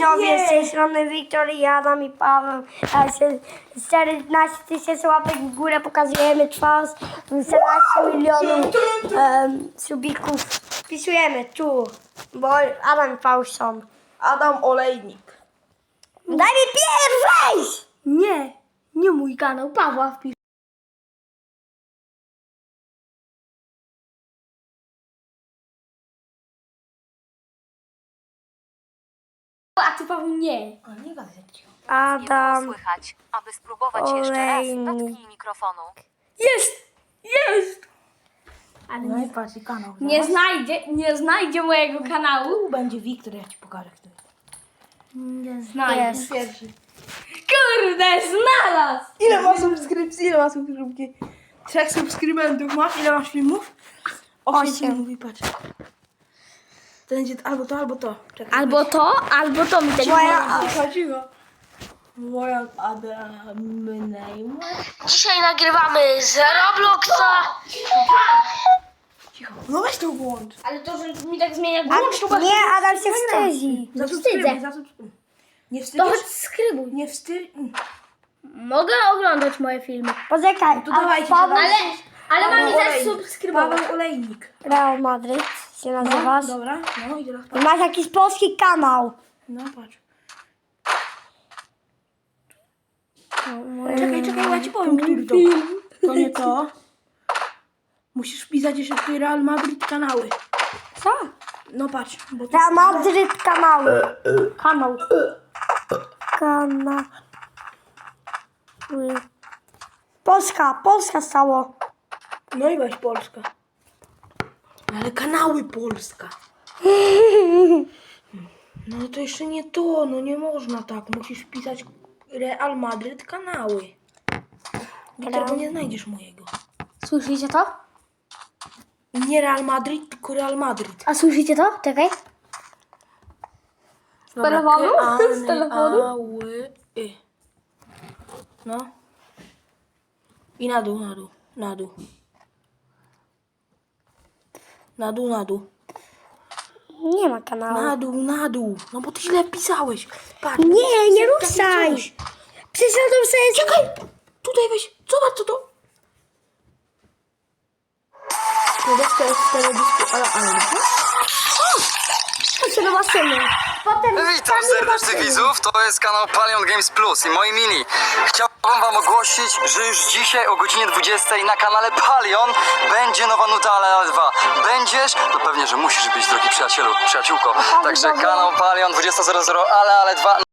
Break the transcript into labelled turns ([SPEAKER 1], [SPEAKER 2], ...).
[SPEAKER 1] widzowie, z tej strony Wiktor i Adam i Paweł. 14 000 łapek w górę, pokazujemy twarz, 14 milionów subików. Wpisujemy tu, bo Adam i Paweł są.
[SPEAKER 2] Adam Olejnik.
[SPEAKER 1] Daj mi pierwszy!
[SPEAKER 3] Nie mój kanał, Pawła wpisz. A ty Paweł nie.
[SPEAKER 2] A nie gadaj tak cicho.
[SPEAKER 4] Nie
[SPEAKER 1] Adam,
[SPEAKER 4] było słychać. Aby spróbować jeszcze raz,
[SPEAKER 1] Olejnik.
[SPEAKER 4] dotknij mikrofonu.
[SPEAKER 3] Jest! Ale
[SPEAKER 2] No i patrz, i kanał.
[SPEAKER 3] nie znajdzie mojego kanału.
[SPEAKER 2] Tu będzie Wiktor, ja ci pokażę, kto jest.
[SPEAKER 3] Nie znajdzie.
[SPEAKER 1] jest.
[SPEAKER 2] Pierwszy.
[SPEAKER 3] Kurde, znalazł!
[SPEAKER 2] Ile ma subskrypcji? Ile ma subskrypcji? 3 subskrybentów masz? Ile masz filmów? 8
[SPEAKER 1] 8.
[SPEAKER 2] filmów i patrz. To będzie albo to, albo to. Czekaj,
[SPEAKER 3] Albo to mi tak
[SPEAKER 2] Cicho. Moja Adam name.
[SPEAKER 3] Dzisiaj nagrywamy z Robloxa.
[SPEAKER 2] Cicho. No weź to włącz.
[SPEAKER 3] Ale to, że mi tak zmienia głos,
[SPEAKER 1] nie, Adam się wstydzi.
[SPEAKER 2] Zasubskrybuj, zasubskrybuj. Nie
[SPEAKER 3] to
[SPEAKER 2] wstydzisz?
[SPEAKER 3] choć skrybuj.
[SPEAKER 2] Nie wstyd...
[SPEAKER 3] Mogę oglądać moje filmy.
[SPEAKER 1] Poczekaj,
[SPEAKER 2] To dawajcie,
[SPEAKER 1] Paweł,
[SPEAKER 3] Ale mam i
[SPEAKER 2] Olejnik.
[SPEAKER 3] zasubskrybować.
[SPEAKER 2] Paweł Olejnik.
[SPEAKER 1] Real Madryt się nazywasz.
[SPEAKER 2] Dobra, no i teraz
[SPEAKER 1] I
[SPEAKER 2] patrz.
[SPEAKER 1] masz jakiś polski kanał.
[SPEAKER 2] No patrz. Czekaj, ja ci powiem, który to. To nie to. Musisz wpisać jeszcze tutaj Real Madrid kanały.
[SPEAKER 1] Co?
[SPEAKER 2] No patrz, bo to...
[SPEAKER 1] Real Madryt kanały. Kanał. Kanały. Polska stało.
[SPEAKER 2] No i weź Polska. Ale kanały Polska. No to jeszcze nie to, no nie można tak. Musisz wpisać Real Madrid kanały. Wiktor, bo nie znajdziesz mojego.
[SPEAKER 3] Słyszycie to?
[SPEAKER 2] Nie Real Madrid, tylko Real Madrid.
[SPEAKER 3] A słyszycie to? Czekaj. Z telefonu? Z telefonu?
[SPEAKER 2] Ały, No. I na dół. Na dół.
[SPEAKER 1] Nie ma kanału.
[SPEAKER 2] Na dół. No bo ty źle wpisałeś. Patrz.
[SPEAKER 1] Nie
[SPEAKER 2] tak
[SPEAKER 1] ruszaj.
[SPEAKER 2] wpisałeś.
[SPEAKER 1] Przeszedłem sobie.
[SPEAKER 2] Czekaj. Tutaj weź. Zobacz co to. To jest teledysku, ale.
[SPEAKER 1] Chodź do maszyny. Potem
[SPEAKER 5] Witam serdecznie widzów, to jest kanał Palion Games Plus i moi mini. Chciałbym wam ogłosić, że już dzisiaj o godzinie 20 na kanale Palion będzie nowa nuta Ale 2. Będziesz? No pewnie, że musisz być, drogi przyjacielu, przyjaciółko. Także kanał Palion 20.00 Ale 2.